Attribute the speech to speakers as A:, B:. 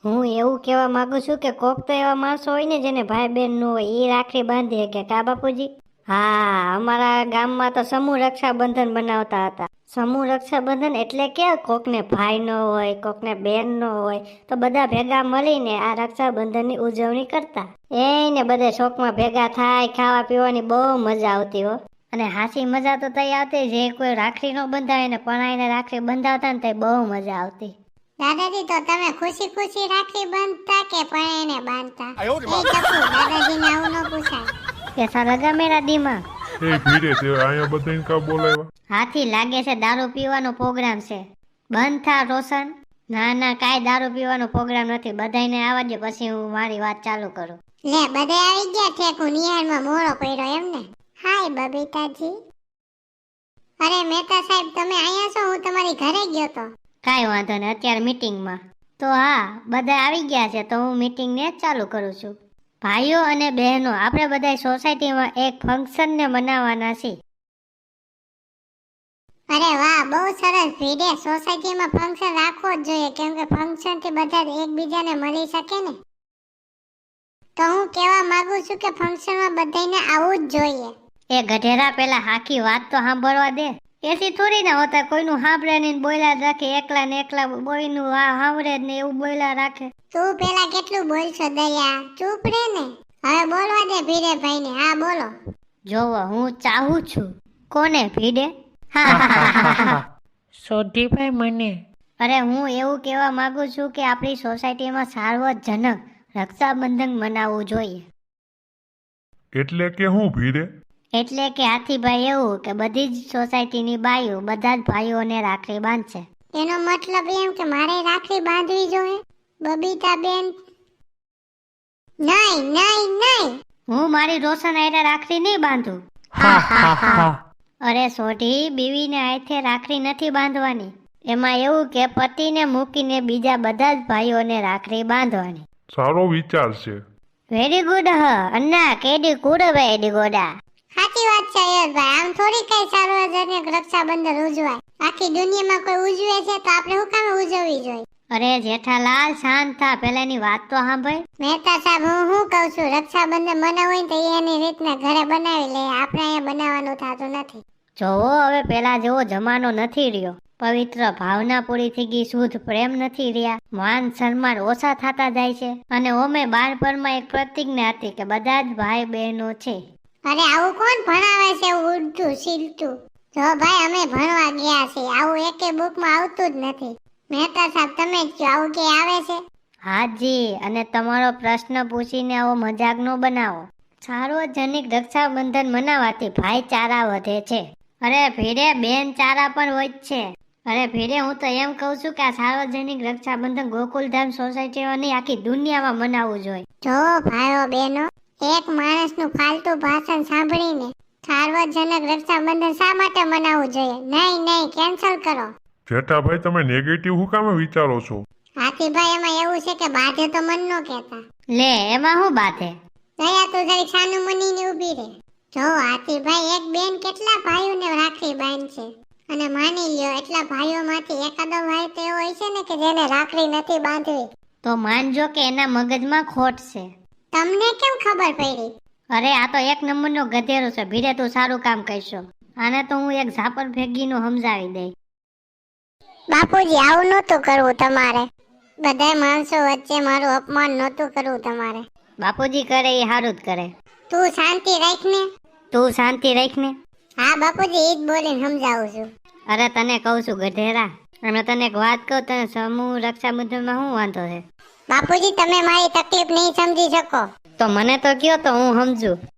A: હું એવું કહેવા માંગુ છું કે કોક તો એવા માણસો હોય ને જેને ભાઈ બહેન ન હોય એ રાખડી બાંધી શકે કા બાપુજી? હા, અમારા ગામમાં તો સમૂહ રક્ષાબંધન બનાવતા હતા. સમૂહ રક્ષાબંધન એટલે કે કોકને ભાઈ ન હોય, કોકને બેન ન હોય, તો બધા ભેગા મળીને આ રક્ષાબંધનની ઉજવણી કરતા. એને બધે શોખમાં ભેગા થાય, ખાવા પીવાની બહુ મજા આવતી હો. અને હાસી મજા તો તઈ આવતી જે કોઈ રાખડી ન બંધાય ને પણાઈને રાખડી બંધાવતા ને તે બહુ મજા આવતી.
B: દાદાજી તો તમે ખુશી ખુશી રાખડી બાંધતા કે પણાઈને બાંધતા? એ ટપુ, દાદાજીને આવું ન પૂછાય.
A: કેસા લગા મેરા દીમાં?
C: એ ભીડે તે અહીંયા બધાને કા બોલાવ્યા?
A: હાથી લાગે છે દારૂ પીવાનો પ્રોગ્રામ છે. બંધ થા રોશન. ના ના, કાંઈ દારૂ પીવાનો પ્રોગ્રામ નથી. બધાને આવવા દે પછી હું મારી વાત ચાલુ કરું.
B: લે બધે આવી ગયા ઠેકુ નિહાળમાં મોરો પડ્યો એમ ને? હાય બબીતાજી. અરે મહેતા સાહેબ તમે અહીંયા છો? હું તમારી ઘરે ગયો તો.
A: કાંઈ વાંધો નહીં, અત્યારે મીટિંગમાં. તો હા, બધા આવી ગયા છે તો હું મીટિંગને જ ચાલુ કરું છું. ભાઈઓ અને બહેનો, આપણે બધા સોસાયટીમાં એક ફંક્શનને મનાવવાના છીએ.
B: અરે વાહ, બહુ સરસ ભીડે. સોસાયટીમાં ફંક્શન રાખવો જ જોઈએ કેમ કે ફંક્શન થી બધા એકબીજાને મળી શકે ને. તો હું કહેવા માંગુ છું કે ફંક્શનમાં બધાને આવવું જ જોઈએ.
A: એ ગધેડા, પેલા આખી વાત તો સાંભળવા દે. એથી થોડી ના હોતા કોઈનું સાંભળે નહીં, બોયલા જ રાખે. એકલા ને એકલા બોયનું સાંભળે જ ને એવું બોયલા રાખે.
B: તું પેલા કેટલું બોલશો દયા? ચૂપ રે ને. હવે બોલવા દે ભીડે ભાઈને. હા બોલો.
A: જોવો, હું ચાહું છું. કોને? ભીડે?
D: સોઢીભાઈ મને.
A: અરે હું એવું કહેવા માંગુ છું કે આપણી સોસાયટીમાં સાર્વજનિક રક્ષાબંધન મનાવવું જોઈએ.
C: એટલે કે હું ભીડે?
A: એટલે કે હાથીભાઈ એવું કે બધી જ સોસાયટીની બાઈઓ બધા જ ભાઈઓને રાખડી બાંધશે.
B: એનો મતલબ એમ કે મારે રાખડી બાંધવી જોઈએ? બબીતા બેન, નહીં નહીં નહીં.
A: હું મારી રોશન હારે રાખડી નહીં બાંધું. અરે સોઢી, બીવીને હાથે રાખડી નથી બાંધવાની. એમાં એવું કે પતિને મૂકીને બીજા બધા જ ભાઈઓને રાખડી બાંધવાની.
C: સારો વિચાર છે.
A: વેરી ગુડ હ અન્ના, કેડી ગુડ વેરી ગોડા.
B: સાચી વાત છે યશભાઈ. આમ થોડી કઈ સાર્વજનિક રક્ષાબંધન ઉજવાય. આખી દુનિયામાં કોઈ ઉજવે છે તો આપણે શું કામ ઉજવવી જોઈએ?
A: અરે જેઠાલાલ, શાંત થા, પેલાની વાત તો સાંભળ.
B: મહેતા સાહેબ, હું શું કહું છું, રક્ષાબંધન બનાવવું હોય તો એની રીતના ઘરે બનાવી લે. આપણે અહીંયા બનાવવાનું થતું નથી.
A: જોવો, હવે પેલા જેવો જમાનો નથી રહ્યો. પવિત્ર ભાવના પૂરી થઈ ગઈ, શુદ્ધ પ્રેમ નથી રહ્યા, માન સન્માન ઓછા થતા જાય છે. અને ઓમે બાળપણમાં એક પ્રતિજ્ઞા હતી કે બધા જ ભાઈ બહેનો છે.
B: અરે આવું કોણ ભણાવે છે? ઉડતું સીલતું. જો ભાઈ, અમે ભણવા ગયા છીએ, આવું એકે બુકમાં આવતું જ નથી. મહેતા સાહેબ તમે જ કહો, આવું કે આવે છે?
A: હાજી, અને તમારો પ્રશ્ન પૂછીને આવો મજાક નો બનાવો. સાર્વજનિક રક્ષાબંધન મનાવવાથી ભાઈચારા વધે છે. અરે ભીડે, બેન ચારા પણ હોય જ છે. અરે ભીડે, હું તો એમ કહું છું કે આ સાર્વજનિક રક્ષાબંધન ગોકુલધામ સોસાયટીમાં નહીં, આખી દુનિયામાં મનાવવું જોઈએ.
B: જો ભાઈઓ બહેનો, એક માણસનું ફાલતુ ભાષણ સાંભળીને સાર્વજનિક રક્ષાબંધન શા માટે મનાવવું જોઈએ? નહીં નહીં, કેન્સલ કરો.
C: જેઠાભાઈ તમે નેગેટિવ હું કામે વિચારો છો?
B: હાથીભાઈ, એમાં એવું છે કે બાધે તો મન નો કહેતા.
A: લે, એમાં શું બાધે?
B: દયા તું જરી સાનું મનીને ઊભી રહે. જો હાથીભાઈ, એક બેન કેટલા ભાઈઓને રાખડી બાંધશે? અને માની લ્યો એટલા ભાઈઓમાંથી એકાદો ભાઈ તો એવો હોય છે ને કે જેને રાખડી નથી બાંધવી.
A: તો માનજો કે એના મગજમાં ખોટ છે.
B: તમને કેમ ખબર પડી?
A: અરે આ તો એક નંબરનો ગધેરો છે. ભીડે, તું સારું કામ કરશો. આને તો હું એક ઝાપર ભેગીનું સમજાવી દઈ.
B: બાપુજી, આવું નહોતું કરવું તમારે. બધાય માણસો વચ્ચે મારું અપમાન નહોતું કરવું તમારે.
A: બાપુજી કરે એ સારું જ કરે.
B: તું શાંતિ રાખ ને.
A: તું શાંતિ રાખ ને.
B: હા બાપુજી, ઈ જ બોલીને સમજાવું છું.
A: અરે તને કહું છું ગધેરા, અને તને એક વાત કહું, તને સમૂહ રક્ષાબંધનમાં શું વાંધો છે?
B: બાપુજી, તમે મારી તકલીફ નહીં સમજી શકો.
A: તો મને તો કયો તો હું સમજુ.